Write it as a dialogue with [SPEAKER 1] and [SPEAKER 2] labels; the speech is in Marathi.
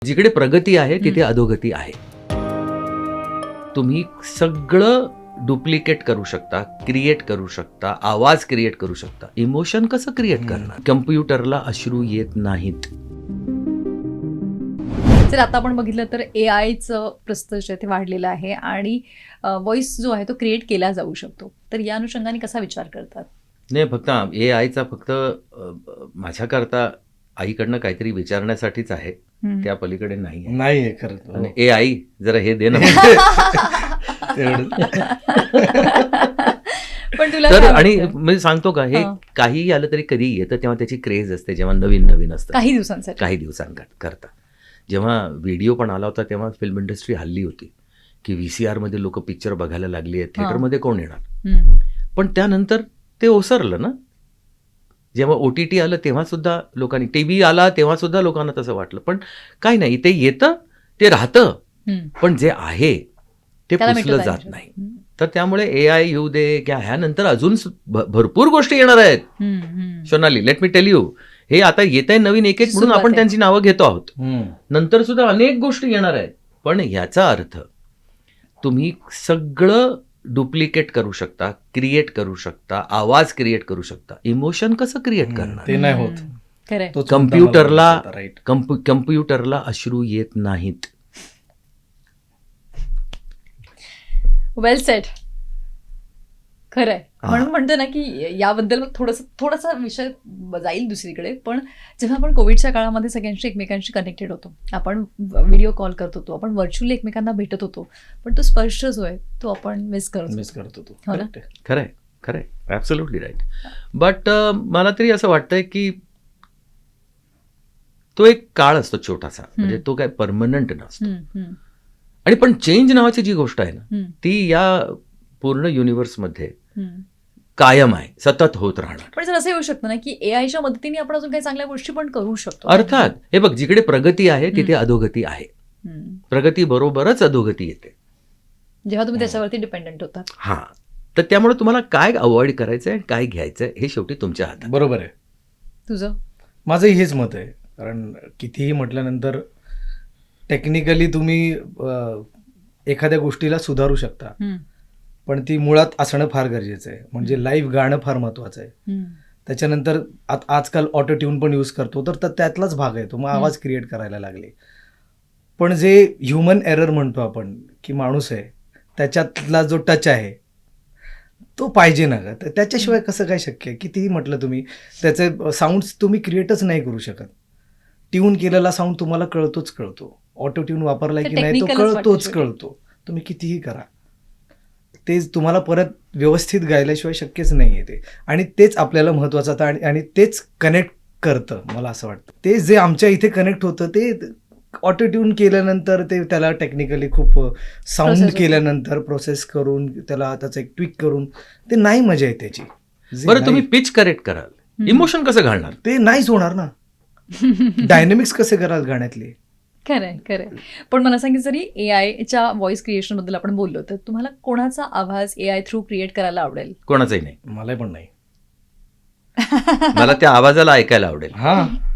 [SPEAKER 1] जिकडे प्रगती आहे तिथे अधोगती आहे. तुम्ही सगळं डुप्लिकेट करू शकता, क्रिएट करू शकता, आवाज क्रिएट करू शकता. इमोशन कसं क्रिएट करणार? कम्प्युटरला अश्रू येत नाहीत.
[SPEAKER 2] जर आता आपण बघितलं तर AIचं प्रस्त जे ते वाढलेलं आहे आणि व्हॉइस जो आहे तो क्रिएट केला जाऊ शकतो. तर या अनुषंगाने कसा विचार करतात?
[SPEAKER 1] नाही, फक्त AIचा फक्त माझ्याकरता आईकडनं काहीतरी विचारण्यासाठीच आहे, त्या पलीकडे नाही आहे.
[SPEAKER 3] नाही आहे खरं.
[SPEAKER 1] आणि AI जरा हे दे ना.
[SPEAKER 2] पण तुला
[SPEAKER 1] तर
[SPEAKER 2] काय
[SPEAKER 1] आणि
[SPEAKER 2] वाटतं?
[SPEAKER 1] मी सांगतो का, हे
[SPEAKER 2] हां.
[SPEAKER 1] काहीही आलं तरी कधी येतं तेव्हा त्याची क्रेज असते, जेव्हा नवीन असतं
[SPEAKER 2] काही दिवसांसाठी
[SPEAKER 1] काही दिवसांकरता. जेव्हा व्हिडिओ पण आला होता तेव्हा फिल्म इंडस्ट्री हल्ली होती की VCR मध्ये लोक पिक्चर बघायला लागली आहेत, थिएटरमध्ये कोण येणार. पण त्यानंतर ते ओसरलं ना. जेव्हा OTT आलं तेव्हा सुद्धा लोकांनी, TV आला तेव्हा सुद्धा लोकांना तसं वाटलं. पण काय नाही, ते येतं, ते राहतं, पण जे आहे ते
[SPEAKER 2] त्याला
[SPEAKER 1] पुसलं
[SPEAKER 2] मिटवता
[SPEAKER 1] जात
[SPEAKER 2] येईल.
[SPEAKER 1] नाही. तर त्यामुळे AI येऊ दे किंवा ह्यानंतर अजून भरपूर गोष्टी येणार आहेत. Sonali, let me tell you, हे आता येत आहे नवीन एक म्हणून
[SPEAKER 2] सुरुवात
[SPEAKER 1] आपण
[SPEAKER 2] आहे.
[SPEAKER 1] त्यांची नावं घेतो आहोत. नंतर सुद्धा अनेक गोष्टी येणार आहेत. पण ह्याचा अर्थ तुम्ही सगळं डुप्लिकेट करू शकता, क्रिएट करू शकता, आवाज क्रिएट करू शकता. इमोशन कसं क्रिएट करणार?
[SPEAKER 3] ते नाही होत.
[SPEAKER 2] खरंय.
[SPEAKER 3] तोच
[SPEAKER 1] कम्प्युटरला
[SPEAKER 3] मुद्दा मला वाटत होता, right.
[SPEAKER 1] कम्प्युटरला अश्रू येत नाहीत.
[SPEAKER 2] Well set. खरंय.
[SPEAKER 1] हा.
[SPEAKER 2] म्हणून म्हणतो ना की याबद्दल मग थोडासा विषय जाईल दुसरीकडे. पण जेव्हा आपण कोविडच्या काळामध्ये सगळ्यांशी एकमेकांशी कनेक्टेड होतो, आपण व्हिडिओ कॉल करत होतो, आपण व्हर्च्युअली एकमेकांना भेटत होतो, पण तो स्पर्श जो आहे तो आपण मिस करतो.
[SPEAKER 3] मिस करतो तू.
[SPEAKER 2] हो ना?
[SPEAKER 3] Correct आहे.
[SPEAKER 1] खरंय, ॲब्सोल्युटली राईट. बट मला तरी असं वाटतंय की तो एक काळ असतो छोटासा, म्हणजे तो काय परमनंट नसतो. आणि पण चेंज नावाची जी गोष्ट आहे ना, ती या पूर्ण युनिव्हर्समध्ये कायम आहे, सतत होत राहणार.
[SPEAKER 2] पण जर असं येऊ शकतं ना की AIच्या मदतीने आपण अजून काही चांगल्या गोष्टी पण करू शकतो.
[SPEAKER 1] अर्थात, हे बघ, जिकडे प्रगती आहे तिथे अधोगती आहे. प्रगती बरोबरच अधोगती येते.
[SPEAKER 2] जेव्हा तुम्ही त्याच्यावरती डिपेंडंट होता.
[SPEAKER 1] हा, तर त्यामुळे तुम्हाला काय अवॉइड करायचंय आणि काय घ्यायचंय हे शेवटी तुमच्या हातात.
[SPEAKER 3] बरोबर आहे.
[SPEAKER 2] तुझं
[SPEAKER 3] माझंही हेच मत आहे. कारण कितीही म्हटल्यानंतर टेक्निकली तुम्ही एखाद्या गोष्टीला सुधारू शकता, पण ती मुळात असणं फार गरजेचं आहे. म्हणजे लाईव्ह गाणं फार महत्वाचं आहे. त्याच्यानंतर आजकाल ऑटो ट्यून पण यूज करतो, तर त्यातलाच भाग आहे तो. मग आवाज क्रिएट करायला लागले. पण जे ह्युमन एरर म्हणतो आपण, की माणूस आहे त्याच्यातला जो टच आहे तो पाहिजे ना ग. तर त्याच्याशिवाय कसं काय शक्य आहे? कितीही म्हटलं तुम्ही, त्याचे साऊंड्स तुम्ही क्रिएटच नाही करू शकत. ट्यून केलेला साऊंड तुम्हाला कळतो. ऑटो ट्यून वापरलाय की नाही तो
[SPEAKER 2] technicalच वाटतं शेवटी.
[SPEAKER 3] कळतो. तुम्ही कितीही करा, ते तुम्हाला परत व्यवस्थित गायल्याशिवाय शक्यच नाही आहे ते. आणि तेच आपल्याला महत्त्वाचं होतं आणि तेच कनेक्ट करतं, मला असं वाटतं. ते जे आमच्या इथे कनेक्ट होतं ते ऑटो ट्यून केल्यानंतर, ते त्याला टेक्निकली खूप साऊंड
[SPEAKER 2] Process
[SPEAKER 3] केल्यानंतर प्रोसेस करून त्याला त्याचं एक ट्विक करून, ते नाही मजा आहे त्याची. जे
[SPEAKER 1] बरं, तुम्ही
[SPEAKER 3] नाही-
[SPEAKER 1] पिच करेक्ट कराल, इमोशन कसं घालणार?
[SPEAKER 3] ते नाहीच होणार ना. डायनेमिक्स कसे कराल गाण्यातले?
[SPEAKER 2] खरंय. पण मला सांगितलं, जरी AIच्या व्हॉइस क्रिएशन बद्दल आपण बोललो, तर तुम्हाला कोणाचा आवाज AI थ्रू क्रिएट करायला आवडेल?
[SPEAKER 1] कोणाचंही नाही.
[SPEAKER 3] मला पण नाही.
[SPEAKER 1] मला त्या आवाजाला ऐकायला आवडेल.
[SPEAKER 3] हा